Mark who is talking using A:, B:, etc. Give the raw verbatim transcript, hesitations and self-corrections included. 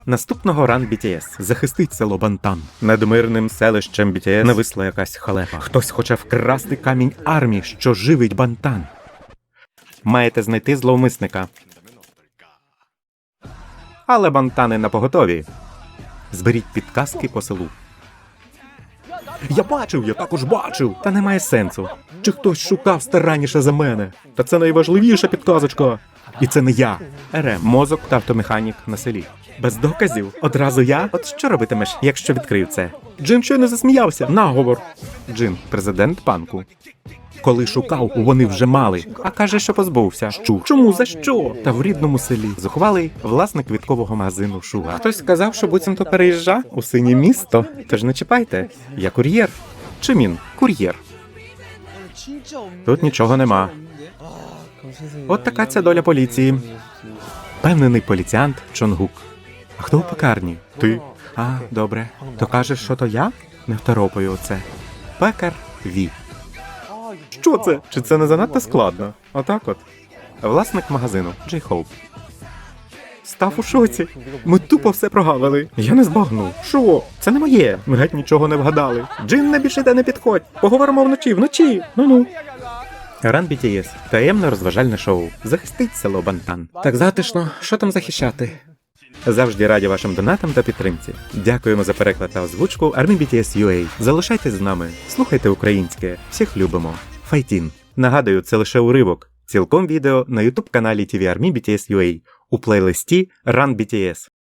A: Наступного ран бі ті ес захистить село Бантан. Над мирним селищем бі ті ес нависла якась халепа. Хтось хоче вкрасти камінь армії, що живить Бантан. Маєте знайти зловмисника. Але Бантани напоготові. Зберіть підказки по селу. Я бачив, я також бачив. Та немає сенсу. Чи хтось шукав старанніше за мене? Та це найважливіша підказочка. І це не я. РМ. Мозок та автомеханік на селі. Без доказів? Одразу я? От що робитимеш, якщо відкрив це? Джин щойно засміявся. Наговор. Джин, президент панку. Коли шукав, вони вже мали. А каже, що позбувся. Що? Чому? За що? Та в рідному селі. Зухвалий власник квіткового магазину Шуга. Хтось сказав, що буцімто переїжджа у синє місто. Тож не чіпайте. Я кур'єр. Чи він? Кур'єр. Тут нічого нема. От така ця доля поліції. Певнений поліціант Чонгук. А хто у пекарні? Ти. А, добре. То кажеш, що то я? Не второпаю оце. Пекар Ві. Що це? Чи це не занадто складно? Отак от. Власник магазину Джей Хоуп. Став у шоці. Ми тупо все прогавили. Я не збагнув. Що? Це не моє. Ми геть нічого не вгадали. Джин, не більше де не підходь. Поговоримо вночі, вночі. Ну-ну. Ран бі ті ес. Таємне розважальне шоу. Захистить село Бантан. Так затишно. Що там захищати? Завжди раді вашим донатам та підтримці. Дякуємо за переклад та озвучку Army бі ті ес ю ей. Залишайтесь з нами. Слухайте українське. Всіх любимо. Файтін. Нагадую, це лише уривок. Цілком відео на ютуб каналі ті ві Army бі ті ес ю ей у плейлисті Run бі ті ес.